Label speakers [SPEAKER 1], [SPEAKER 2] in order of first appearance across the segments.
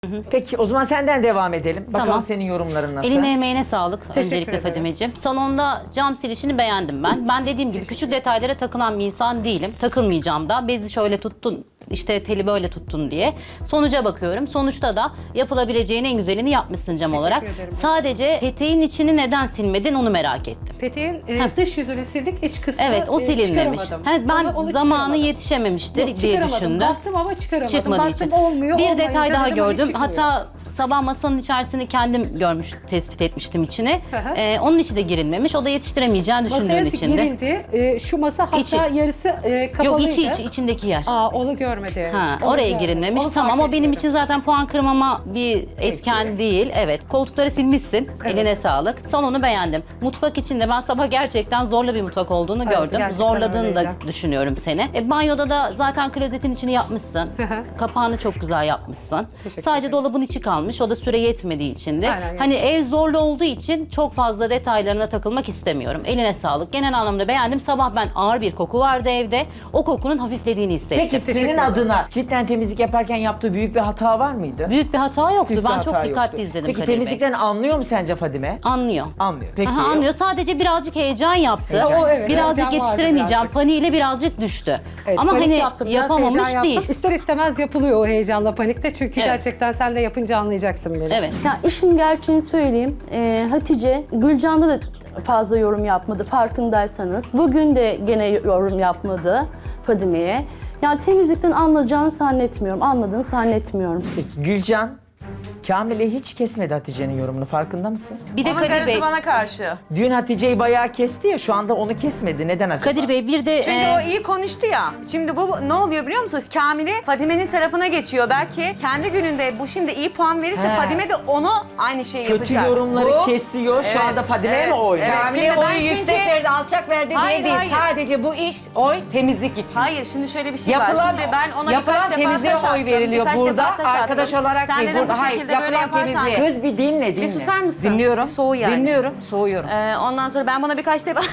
[SPEAKER 1] Peki o zaman senden devam edelim. Bakalım
[SPEAKER 2] Tamam.
[SPEAKER 1] senin yorumların nasıl?
[SPEAKER 2] Eline emeğine sağlık
[SPEAKER 3] Teşekkür
[SPEAKER 2] öncelikle
[SPEAKER 3] ederim.
[SPEAKER 2] Fadimeciğim. Salonda cam silişini beğendim ben. Ben dediğim gibi küçük detaylara takılan bir insan değilim. Takılmayacağım da. Bezi şöyle tuttun, işte teli böyle tuttun diye. Sonuca bakıyorum. Sonuçta da yapılabileceğin en güzelini yapmışsın cam olarak.
[SPEAKER 3] ederim.
[SPEAKER 2] Sadece peteğin içini neden silmedin onu merak ettim.
[SPEAKER 3] Peteğin dış yüzünü sildik, iç kısmı
[SPEAKER 2] Evet, o silinmemiş.
[SPEAKER 3] çıkaramadım.
[SPEAKER 2] Ben
[SPEAKER 3] Onu
[SPEAKER 2] zamanı
[SPEAKER 3] çıkaramadım.
[SPEAKER 2] yetişememiştir
[SPEAKER 3] Yok,
[SPEAKER 2] diye
[SPEAKER 3] çıkaramadım.
[SPEAKER 2] düşündüm.
[SPEAKER 3] Baktım ama çıkaramadım.
[SPEAKER 2] Çıkmadığı
[SPEAKER 3] Baktım
[SPEAKER 2] için.
[SPEAKER 3] olmuyor.
[SPEAKER 2] Bir
[SPEAKER 3] olmayınca
[SPEAKER 2] detay daha
[SPEAKER 3] dedim, hani
[SPEAKER 2] gördüm.
[SPEAKER 3] çıkmıyor.
[SPEAKER 2] Hatta sabah masanın içerisini kendim tespit etmiştim içini.
[SPEAKER 3] Hı hı.
[SPEAKER 2] Onun içi de girilmemiş. O da yetiştiremeyeceğini düşündüğüm
[SPEAKER 3] Masaya
[SPEAKER 2] için de.
[SPEAKER 3] girildi. Şu masa hatta
[SPEAKER 2] İçi.
[SPEAKER 3] yarısı kapalıydı.
[SPEAKER 2] Yok içindeki yer.
[SPEAKER 3] Onu görmedim.
[SPEAKER 2] Ha,
[SPEAKER 3] Onu
[SPEAKER 2] oraya
[SPEAKER 3] görmedim.
[SPEAKER 2] girilmemiş.
[SPEAKER 3] Onu
[SPEAKER 2] Tamam,
[SPEAKER 3] fark
[SPEAKER 2] o benim
[SPEAKER 3] etmedim.
[SPEAKER 2] için zaten puan kırmama bir etken değil. Evet. Koltukları silmişsin.
[SPEAKER 3] Evet.
[SPEAKER 2] Eline sağlık. Salonu beğendim. Mutfak içinde ben sabah gerçekten zorlu bir mutfak olduğunu
[SPEAKER 3] Evet,
[SPEAKER 2] gördüm.
[SPEAKER 3] gerçekten
[SPEAKER 2] Zorladığını da
[SPEAKER 3] öyleydi.
[SPEAKER 2] düşünüyorum seni. Banyoda da zaten klozetin içini yapmışsın.
[SPEAKER 3] Hı hı.
[SPEAKER 2] Kapağını çok güzel yapmışsın.
[SPEAKER 3] Teşekkür
[SPEAKER 2] Sadece
[SPEAKER 3] ederim.
[SPEAKER 2] dolabın içi kalmış. O da süre yetmediği için de.
[SPEAKER 3] Aynen,
[SPEAKER 2] Hani ev zorlu olduğu için çok fazla detaylarına takılmak istemiyorum. Eline sağlık. Genel anlamda beğendim. Sabah ben ağır bir koku vardı evde. O kokunun hafiflediğini hissettim.
[SPEAKER 1] Peki senin
[SPEAKER 3] ederim.
[SPEAKER 1] adına cidden temizlik yaparken yaptığı büyük bir hata var mıydı?
[SPEAKER 2] Büyük bir hata yoktu.
[SPEAKER 1] Büyük bir
[SPEAKER 2] Ben çok
[SPEAKER 1] hata
[SPEAKER 2] dikkatli
[SPEAKER 1] yoktu.
[SPEAKER 2] izledim
[SPEAKER 1] Peki
[SPEAKER 2] Kadir Bey.
[SPEAKER 1] temizlikten anlıyor mu sence Fadime?
[SPEAKER 2] Anlıyor.
[SPEAKER 1] Anlıyor. Peki.
[SPEAKER 2] Aha, anlıyor. Sadece birazcık heyecan yaptı.
[SPEAKER 1] Heyecan.
[SPEAKER 3] O, evet,
[SPEAKER 2] birazcık
[SPEAKER 3] heyecan vardı
[SPEAKER 2] yetiştiremeyeceğim.
[SPEAKER 3] birazcık.
[SPEAKER 2] Paniğiyle birazcık düştü.
[SPEAKER 3] Evet,
[SPEAKER 2] Ama
[SPEAKER 3] panik
[SPEAKER 2] hani
[SPEAKER 3] yaptım, biraz
[SPEAKER 2] yapamamış
[SPEAKER 3] heyecan
[SPEAKER 2] değil.
[SPEAKER 3] yaptım. İster istemez yapılıyor o heyecanla panikte. Çünkü
[SPEAKER 2] Evet.
[SPEAKER 3] gerçekten sen de yapınca anlayacaksın beni.
[SPEAKER 2] Evet.
[SPEAKER 4] Ya işin gerçeğini söyleyeyim. Hatice, Gülcan'da da fazla yorum yapmadı farkındaysanız. Bugün de gene yorum yapmadı Fadime'ye. Yani temizlikten anlayacağını zannetmiyorum, anladığını zannetmiyorum.
[SPEAKER 1] Peki Gülcan, Kamil'e hiç kesmedi Hatice'nin yorumunu, farkında mısın?
[SPEAKER 2] Bir de
[SPEAKER 5] Onun
[SPEAKER 2] Kadir
[SPEAKER 5] karısı
[SPEAKER 2] Bey.
[SPEAKER 5] bana karşı.
[SPEAKER 1] Dün Hatice'yi bayağı kesti ya, şu anda onu kesmedi. Neden acaba?
[SPEAKER 2] Kadir Bey bir de
[SPEAKER 5] Çünkü o iyi konuştu ya. Şimdi bu ne oluyor biliyor musunuz? Kamil'i Fadime'nin tarafına geçiyor. Belki kendi gününde bu şimdi iyi puan verirse
[SPEAKER 1] He.
[SPEAKER 5] Fadime de onu aynı şeyi
[SPEAKER 1] Kötü
[SPEAKER 5] yapacak.
[SPEAKER 1] yorumları
[SPEAKER 5] Bu-
[SPEAKER 1] kesiyor. Şu
[SPEAKER 5] Evet,
[SPEAKER 1] anda Fadime'ye
[SPEAKER 5] evet,
[SPEAKER 1] mi oynuyor?
[SPEAKER 5] evet.
[SPEAKER 6] Kamil'e
[SPEAKER 5] Şimdi ben
[SPEAKER 6] oyu
[SPEAKER 5] çünkü-
[SPEAKER 6] yüksek verdi, alçak verdi
[SPEAKER 5] Hayır,
[SPEAKER 6] diye değil.
[SPEAKER 5] hayır.
[SPEAKER 6] Sadece bu iş oy temizlik için.
[SPEAKER 5] Hayır şimdi şöyle bir şey
[SPEAKER 6] Yapılan,
[SPEAKER 5] var. Şimdi ben ona
[SPEAKER 6] yapılan
[SPEAKER 5] birkaç defa
[SPEAKER 6] temizliğe
[SPEAKER 5] taş
[SPEAKER 6] oy
[SPEAKER 5] attım.
[SPEAKER 6] veriliyor
[SPEAKER 5] birkaç
[SPEAKER 6] burada.
[SPEAKER 5] defa taş attım.
[SPEAKER 6] Arkadaş olarak
[SPEAKER 5] Sen
[SPEAKER 6] değil,
[SPEAKER 5] dedim
[SPEAKER 6] burada
[SPEAKER 5] bu
[SPEAKER 6] hayır,
[SPEAKER 5] şekilde böyle
[SPEAKER 6] yapılan
[SPEAKER 5] yaparsan.
[SPEAKER 6] temizliğe.
[SPEAKER 1] Kız bir dinle.
[SPEAKER 5] Bir susar mısın?
[SPEAKER 6] Dinliyorum.
[SPEAKER 5] Bir soğu yani.
[SPEAKER 6] Dinliyorum, soğuyorum.
[SPEAKER 5] Ondan sonra ben buna birkaç defa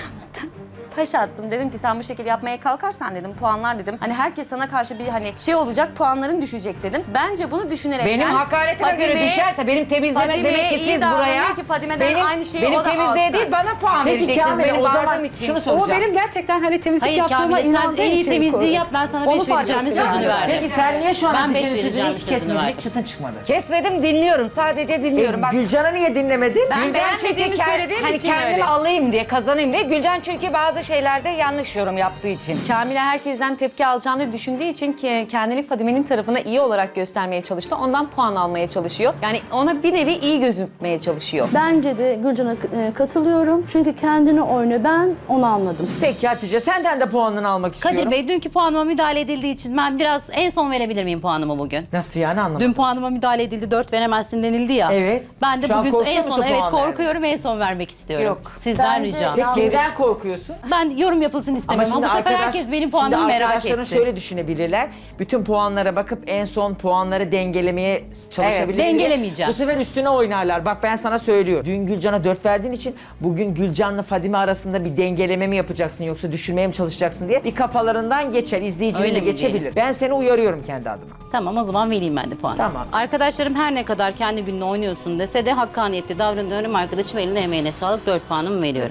[SPEAKER 5] taş attım. Dedim ki sen bu şekilde yapmaya kalkarsan dedim puanlar dedim. Hani herkes sana karşı bir hani şey olacak, puanların düşecek dedim. Bence bunu düşünerek
[SPEAKER 6] Benim hakaretime göre düşerse benim temizleme
[SPEAKER 5] Fadime'ye
[SPEAKER 6] demek ki
[SPEAKER 5] iyi
[SPEAKER 6] siz
[SPEAKER 5] davranıyor
[SPEAKER 6] buraya
[SPEAKER 5] ki Fadime'den aynı şeyi
[SPEAKER 6] benim
[SPEAKER 5] o da
[SPEAKER 6] temizliğe
[SPEAKER 5] alsın.
[SPEAKER 6] değil bana puan
[SPEAKER 1] Peki
[SPEAKER 6] vereceksiniz
[SPEAKER 1] Kamil'e
[SPEAKER 6] benim
[SPEAKER 1] o zaman
[SPEAKER 6] bağırdığım için.
[SPEAKER 1] şunu
[SPEAKER 3] O
[SPEAKER 1] soracağım.
[SPEAKER 3] benim gerçekten hani temizlik
[SPEAKER 2] hayır
[SPEAKER 3] yaptığıma
[SPEAKER 2] Kamil'e sen
[SPEAKER 3] inandığı
[SPEAKER 2] en iyi
[SPEAKER 3] için
[SPEAKER 2] temizliği yap, ben sana 5
[SPEAKER 3] Onu fark
[SPEAKER 2] vereceğimin
[SPEAKER 3] ettim
[SPEAKER 2] sözünü
[SPEAKER 3] yani.
[SPEAKER 2] verdim.
[SPEAKER 1] Peki sen niye şu an
[SPEAKER 2] Ben beş
[SPEAKER 1] Hatice'nin sözünü
[SPEAKER 2] vereceğim
[SPEAKER 1] hiç
[SPEAKER 2] sözünü
[SPEAKER 1] kesmedin,
[SPEAKER 2] verdim.
[SPEAKER 1] hiç çıtın çıkmadı?
[SPEAKER 6] Kesmedim, dinliyorum. Sadece dinliyorum. Bak,
[SPEAKER 1] Gülcan'a niye dinlemedin?
[SPEAKER 5] Ben
[SPEAKER 6] Gülcan
[SPEAKER 5] beğenmediğimi
[SPEAKER 6] çünkü
[SPEAKER 5] söylediğim
[SPEAKER 6] hani
[SPEAKER 5] için
[SPEAKER 6] kendimi
[SPEAKER 5] öyle.
[SPEAKER 6] alayım diye, kazanayım diye. Gülcan çünkü bazı şeylerde yanlış yorum yaptığı için.
[SPEAKER 5] Kamil'e herkesten tepki alacağını düşündüğü için ki kendini Fadime'nin tarafına iyi olarak göstermeye çalıştı. Ondan puan almaya çalışıyor. Yani ona bir nevi iyi gözükmeye çalışıyor.
[SPEAKER 4] Bence de Gülcan'a katılıyorum. Çünkü kendini oynuyor. Ben onu anladım.
[SPEAKER 1] Peki Hatice, senden de puanını almak istiyorum.
[SPEAKER 2] Kadir Bey dünkü puanıma müdahale edildiği için ben biraz en son verebilir miyim puanımı bugün?
[SPEAKER 1] Nasıl yani, anlamadım.
[SPEAKER 2] Dün puanıma müdahale edildi, 4 veremezsin denildi ya.
[SPEAKER 1] Evet.
[SPEAKER 2] Ben de
[SPEAKER 1] Şu an
[SPEAKER 2] bugün
[SPEAKER 1] korkuyor
[SPEAKER 2] en
[SPEAKER 1] musun
[SPEAKER 2] son evet
[SPEAKER 1] puan vermeye?
[SPEAKER 2] korkuyorum, en son vermek istiyorum.
[SPEAKER 6] Yok.
[SPEAKER 2] Sizden
[SPEAKER 4] Bence
[SPEAKER 2] ricam.
[SPEAKER 1] Peki kimden korkuyorsun?
[SPEAKER 2] Ben yorum yapılsın istemiyorum ama bu sefer herkes benim puanımı merak
[SPEAKER 1] arkadaşların
[SPEAKER 2] etti.
[SPEAKER 1] şöyle düşünebilirler. Bütün puanlara bakıp en son puanları dengelemeye çalışabilirler.
[SPEAKER 2] Evet, dengelemeyeceğim.
[SPEAKER 1] Bu sefer üstüne oynarlar. Bak ben sana söylüyorum. Dün Gülcan'a 4 verdiğin için bugün Gülcan'la Fadime arasında bir dengeleme mi yapacaksın yoksa düşürmeye mi çalışacaksın diye bir kafalarından geçer. İzleyicinin
[SPEAKER 2] Öyle
[SPEAKER 1] de
[SPEAKER 2] mi
[SPEAKER 1] geçebilir.
[SPEAKER 2] diyelim?
[SPEAKER 1] Ben seni uyarıyorum kendi adıma.
[SPEAKER 2] Tamam, o zaman vereyim ben de puanı.
[SPEAKER 1] Tamam.
[SPEAKER 2] Arkadaşlarım her ne kadar kendi gününü oynuyorsun dese de hakkaniyetli davranıyorum. Arkadaşım eline emeğine sağlık, 4 puanımı veriyorum.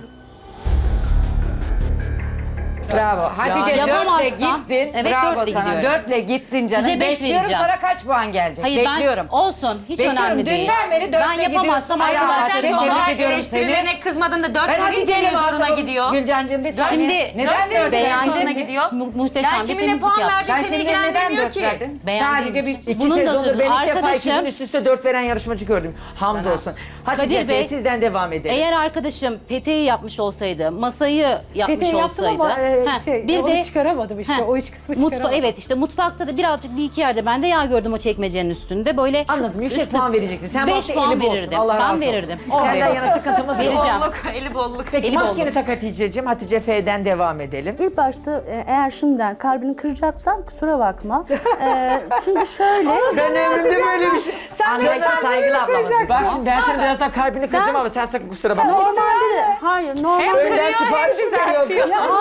[SPEAKER 6] Bravo. Hatice
[SPEAKER 2] Yani
[SPEAKER 6] 4'le
[SPEAKER 2] yapamazsam-
[SPEAKER 6] gittin.
[SPEAKER 2] Evet,
[SPEAKER 6] Bravo
[SPEAKER 2] 4'le
[SPEAKER 6] sana.
[SPEAKER 2] gidiyorum.
[SPEAKER 6] 4'le gittin canım.
[SPEAKER 2] Size 5
[SPEAKER 6] Bekliyorum
[SPEAKER 2] vereceğim.
[SPEAKER 6] sana kaç puan gelecek?
[SPEAKER 2] Hayır
[SPEAKER 6] Bekliyorum.
[SPEAKER 2] ben olsun, hiç
[SPEAKER 6] Bekliyorum.
[SPEAKER 2] önemli değil.
[SPEAKER 6] Dünden beri dörtle
[SPEAKER 2] Ben yapamazsam
[SPEAKER 6] gidiyorsun.
[SPEAKER 2] arkadaşlarım
[SPEAKER 6] Arkadaşlar,
[SPEAKER 2] bana...
[SPEAKER 6] tebrik ediyorum
[SPEAKER 5] eleştirilerine kızmadın da 4
[SPEAKER 6] Ben
[SPEAKER 5] verince
[SPEAKER 6] Hatice'yle
[SPEAKER 5] zoruna
[SPEAKER 6] muhatabım.
[SPEAKER 5] gidiyor.
[SPEAKER 6] Gülcancığım bir saniye.
[SPEAKER 2] Şimdi
[SPEAKER 6] neden
[SPEAKER 5] dört
[SPEAKER 6] dört
[SPEAKER 5] verince
[SPEAKER 6] verdin?
[SPEAKER 5] zoruna gidiyor.
[SPEAKER 2] Muhteşem
[SPEAKER 5] Ben
[SPEAKER 2] bir
[SPEAKER 5] kimin ne
[SPEAKER 2] temizlik
[SPEAKER 5] puan
[SPEAKER 2] yaptım.
[SPEAKER 5] verdiği
[SPEAKER 6] Sen
[SPEAKER 5] seni
[SPEAKER 6] şimdi neden
[SPEAKER 5] ilgilendirmiyor
[SPEAKER 6] 4
[SPEAKER 5] ki.
[SPEAKER 6] verdin?
[SPEAKER 2] Beğendiğim
[SPEAKER 6] Sadece bir...
[SPEAKER 2] için.
[SPEAKER 1] İki
[SPEAKER 2] Bunun da
[SPEAKER 1] sezonda
[SPEAKER 2] sözü.
[SPEAKER 1] ben ilk defa 2
[SPEAKER 2] Arkadaşım-
[SPEAKER 1] gün üst üste 4 veren yarışmacı gördüm. Hamdolsun. Hatice
[SPEAKER 2] Kadir Bey,
[SPEAKER 1] sizden devam edelim.
[SPEAKER 2] Eğer arkadaşım peteği yapmış olsaydı, masayı yapmış
[SPEAKER 3] Peteği yaptım
[SPEAKER 2] olsaydı...
[SPEAKER 3] ama
[SPEAKER 2] bir
[SPEAKER 3] onu
[SPEAKER 2] de
[SPEAKER 3] çıkaramadım işte. O iç kısmı çıkaramadım.
[SPEAKER 2] Evet işte mutfakta da birazcık bir iki yerde ben de yağ gördüm o çekmecenin üstünde. Böyle
[SPEAKER 1] Anladım. Yüksek
[SPEAKER 2] üstü-
[SPEAKER 1] puan verecektin. Sen bu
[SPEAKER 2] 5
[SPEAKER 1] hafta
[SPEAKER 2] puan
[SPEAKER 1] eli bolsun.
[SPEAKER 2] verirdim.
[SPEAKER 1] Allah razı
[SPEAKER 2] Ben
[SPEAKER 1] olsun.
[SPEAKER 2] verirdim.
[SPEAKER 1] Senden yana sıkıntımız yok.
[SPEAKER 2] Vereceğim.
[SPEAKER 5] Bolluk, eli bolluk.
[SPEAKER 1] Peki
[SPEAKER 2] Eli
[SPEAKER 1] maskeni
[SPEAKER 2] bolluk.
[SPEAKER 1] tak Hatice'cim. Hatice F'den devam edelim.
[SPEAKER 4] İlk başta eğer şimdiden kalbini kıracaksam kusura bakma. Çünkü şöyle...
[SPEAKER 1] Ben ömrümde böyle bir şey...
[SPEAKER 6] Anlayışla saygılı ablamız biz.
[SPEAKER 1] Bak şimdi ben senin birazdan kalbini kıracağım ama sen sakın kusura bakma.
[SPEAKER 4] Normalde de, hayır normalde
[SPEAKER 1] Önden sipariş mi veriyorsun?
[SPEAKER 3] Arızalı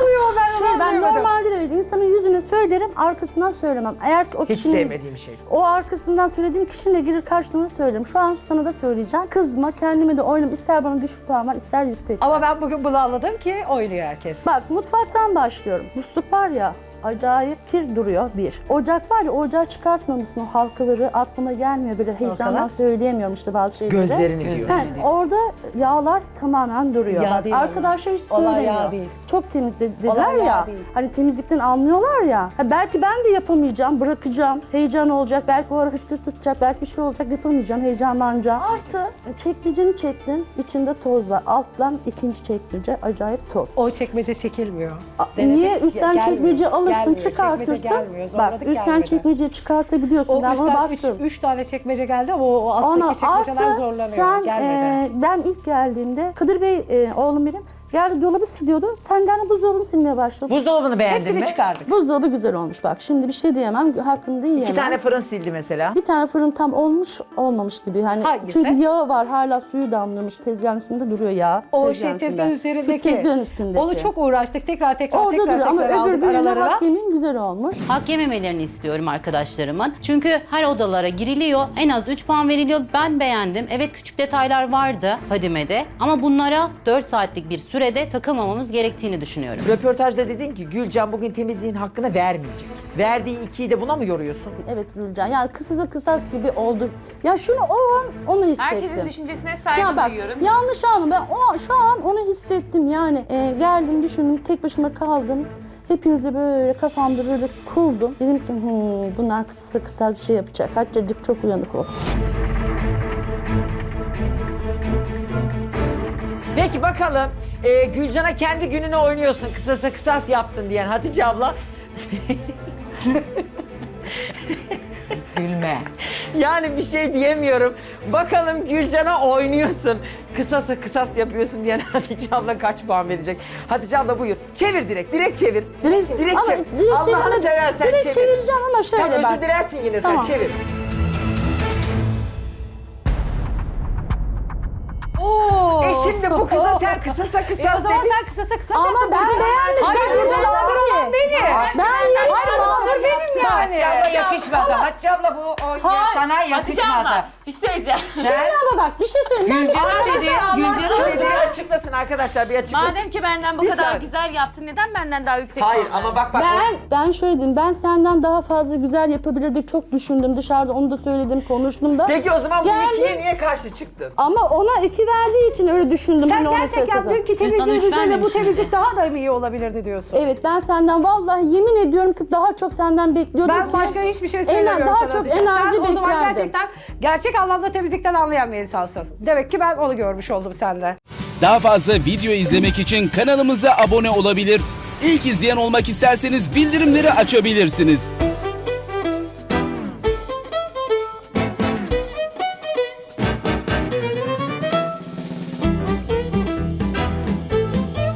[SPEAKER 3] oluyor ben onu
[SPEAKER 4] Ben
[SPEAKER 3] anlayamadım.
[SPEAKER 4] normalde de öyle. İnsanın yüzüne söylerim, arkasından söylemem. Eğer ki o
[SPEAKER 1] Hiç
[SPEAKER 4] kişinin...
[SPEAKER 1] sevmediğim şey.
[SPEAKER 4] O arkasından söylediğim kişinin de gelir karşılığını söylerim. Şu an sana da söyleyeceğim. Kızma, kendime de oynam. İster bana düşük puan var, ister yüksek.
[SPEAKER 3] Ama ben bugün bunu anladım ki oynuyor herkes.
[SPEAKER 4] Bak mutfaktan başlıyorum. Musluk var ya, acayip kir duruyor bir. Ocak var ya, ocağı çıkartmamışsın, o halkaları aklıma gelmiyor. Böyle heyecandan
[SPEAKER 3] Halkalar?
[SPEAKER 4] söyleyemiyorum işte bazı şeyleri.
[SPEAKER 1] Gözlerini diyor.
[SPEAKER 4] Orada yağlar tamamen duruyor.
[SPEAKER 3] Yağ
[SPEAKER 4] Bak,
[SPEAKER 3] değil ama.
[SPEAKER 4] arkadaşlar hiç
[SPEAKER 3] Olay
[SPEAKER 4] söylemiyor.
[SPEAKER 3] yağ değil.
[SPEAKER 4] Çok temiz dediler
[SPEAKER 3] Olay yağ
[SPEAKER 4] ya.
[SPEAKER 3] değil.
[SPEAKER 4] Hani temizlikten anlıyorlar ya. Ha, belki ben de yapamayacağım, bırakacağım. Heyecan olacak, belki o ara hıçkırık tutacak, belki bir şey olacak, yapamayacağım, heyecanlanacağım. Artı çekmeceni çektim, içinde toz var. Alttan ikinci çekmece, acayip toz.
[SPEAKER 3] O çekmece çekilmiyor.
[SPEAKER 4] Niye?
[SPEAKER 3] Denedik,
[SPEAKER 4] Üstten
[SPEAKER 3] gelmiyor.
[SPEAKER 4] çekmece alırsın,
[SPEAKER 3] Gelmiyor,
[SPEAKER 4] çıkartırsın.
[SPEAKER 3] çekmece gelmiyor,
[SPEAKER 4] Bak,
[SPEAKER 3] zorladık,
[SPEAKER 4] üstten
[SPEAKER 3] gelmedi.
[SPEAKER 4] çekmeceyi çıkartabiliyorsun.
[SPEAKER 3] O
[SPEAKER 4] Ben ona
[SPEAKER 3] üstten
[SPEAKER 4] baktım.
[SPEAKER 3] 3 tane çekmece geldi ama o
[SPEAKER 4] Ona
[SPEAKER 3] alttaki çekmeceler
[SPEAKER 4] artı
[SPEAKER 3] zorlanıyor.
[SPEAKER 4] sen,
[SPEAKER 3] Gelmedi.
[SPEAKER 4] ben ilk geldiğimde Kadir Bey, oğlum benim, geldi dolabı siliyordu. Sen gene buzdolabını silmeye başladın.
[SPEAKER 1] Buzdolabını beğendin
[SPEAKER 3] Hepsini
[SPEAKER 1] mi?
[SPEAKER 3] çıkardık.
[SPEAKER 4] Buzdolabı güzel olmuş bak. Şimdi bir şey diyemem, hakkını da yiyemem.
[SPEAKER 1] 2 tane fırın sildi mesela.
[SPEAKER 4] Bir tane fırın tam olmuş, olmamış gibi. Hani
[SPEAKER 3] Hangisi?
[SPEAKER 4] çünkü yağı var, hala suyu damlamış. Tezgahın üstünde duruyor yağ.
[SPEAKER 3] O
[SPEAKER 4] Tezgahın
[SPEAKER 3] tezgahın
[SPEAKER 4] üstünde.
[SPEAKER 3] üzerindeki.
[SPEAKER 4] Şu tezgahın üstündeki.
[SPEAKER 3] Onu çok uğraştık. Tekrar
[SPEAKER 4] Orada duruyor ama öbür
[SPEAKER 3] aldık
[SPEAKER 4] birine
[SPEAKER 3] aralarına.
[SPEAKER 4] hak yemin güzel olmuş.
[SPEAKER 2] Hak yememelerini istiyorum arkadaşlarımın. Çünkü her odalara giriliyor. En az 3 puan veriliyor. Ben beğendim. Evet, küçük detaylar vardı Fadime'de. Ama bunlara 4 saatlik bir sürede takılmamamız gerektiğini düşünüyorum.
[SPEAKER 1] Röportajda dedin ki Gülcan bugün temizliğin hakkını vermeyecek. Verdiği 2'yi de buna mı yoruyorsun?
[SPEAKER 4] Evet Gülcan, yani kısasa kısas gibi oldu. Ya şunu o an onu hissettim.
[SPEAKER 5] Herkesin düşüncesine saygı
[SPEAKER 4] Ya bak,
[SPEAKER 5] duyuyorum.
[SPEAKER 4] yanlış anladım. Ben şu an onu hissettim yani. Geldim, düşündüm, tek başıma kaldım. Hepinizi böyle kafamda böyle kurdum. Dedim ki bunlar kısa kısa bir şey yapacak. Hatta çok uyanık ol.
[SPEAKER 1] Peki bakalım Gülcan'a kendi gününü oynuyorsun. Kısasa kısas yaptın diyen Hatice abla.
[SPEAKER 6] Gülme.
[SPEAKER 1] Yani bir şey diyemiyorum. Bakalım Gülcan'a oynuyorsun. Kısasa kısas yapıyorsun diyen Hatice abla kaç puan verecek? Hatice abla buyur. Çevir direkt çevir.
[SPEAKER 4] Direkt, ama
[SPEAKER 1] çevir.
[SPEAKER 4] direkt
[SPEAKER 1] Allah'ını
[SPEAKER 4] çevirme-
[SPEAKER 1] seversen
[SPEAKER 4] direkt
[SPEAKER 1] çevir.
[SPEAKER 4] çevireceğim ama şöyle
[SPEAKER 1] Tamam,
[SPEAKER 4] bak.
[SPEAKER 1] özür dilersin yine
[SPEAKER 4] Tamam.
[SPEAKER 1] sen çevir.
[SPEAKER 3] Oo.
[SPEAKER 1] Şimdi bu kıza sen kısasa kısas
[SPEAKER 3] O zaman
[SPEAKER 1] dedin.
[SPEAKER 3] sen kısasa kısas
[SPEAKER 4] Ama
[SPEAKER 3] yaptın.
[SPEAKER 4] ben beğendim.
[SPEAKER 3] Hayır,
[SPEAKER 4] Ben yarışmadım
[SPEAKER 3] mağdur
[SPEAKER 4] ki.
[SPEAKER 3] beni.
[SPEAKER 4] Ben yarışmadım.
[SPEAKER 3] Mağdur benim yani.
[SPEAKER 6] Hatice abla yakışmadı. Hatice abla bu sana
[SPEAKER 5] Hatice
[SPEAKER 6] yakışmadı.
[SPEAKER 5] abla bir şey söyleyeceğim.
[SPEAKER 6] Sen
[SPEAKER 4] Ama bak bir şey söyleyeyim.
[SPEAKER 6] Gülcan'a dedi, Gülcan'a
[SPEAKER 1] Kız
[SPEAKER 6] dedi.
[SPEAKER 1] bir açıklasın arkadaşlar, bir açıklasın.
[SPEAKER 5] Madem ki benden bu
[SPEAKER 1] Bir
[SPEAKER 5] kadar
[SPEAKER 1] saniye.
[SPEAKER 5] güzel yaptın, neden benden daha yüksek
[SPEAKER 1] Hayır
[SPEAKER 5] puan
[SPEAKER 1] ama
[SPEAKER 5] verdin?
[SPEAKER 1] bak.
[SPEAKER 4] Ben şöyle diyeyim, ben senden daha fazla güzel yapabilirdik, çok düşündüm dışarıda, onu da söyledim, konuştum da.
[SPEAKER 1] Peki o zaman bu
[SPEAKER 4] Geldim.
[SPEAKER 1] ikiye niye karşı çıktın?
[SPEAKER 4] Ama ona 2 verdiği için öyle düşündüm.
[SPEAKER 3] Sen
[SPEAKER 4] hani ona
[SPEAKER 3] gerçekten
[SPEAKER 4] kıyaslasam.
[SPEAKER 3] dünkü
[SPEAKER 2] Dün sana
[SPEAKER 3] temizliğin
[SPEAKER 2] üç
[SPEAKER 3] üzerine bu
[SPEAKER 2] vermemiş
[SPEAKER 3] temizlik
[SPEAKER 2] miydi?
[SPEAKER 3] daha da iyi olabilirdi diyorsun.
[SPEAKER 4] Evet, ben senden vallahi yemin ediyorum ki daha çok senden bekliyordum
[SPEAKER 3] Ben
[SPEAKER 4] ki.
[SPEAKER 3] başka hiçbir şey söylemiyorum
[SPEAKER 4] daha
[SPEAKER 3] sana
[SPEAKER 4] çok
[SPEAKER 3] Hatice.
[SPEAKER 4] enerji
[SPEAKER 3] Sen o zaman
[SPEAKER 4] beklerdim.
[SPEAKER 3] gerçekten gerçek anlamda temizlikten anlayan bir insansın. Demek ki ben onu görmüş oldum sende.
[SPEAKER 7] Daha fazla video izlemek için kanalımıza abone olabilir. İlk izleyen olmak isterseniz bildirimleri açabilirsiniz.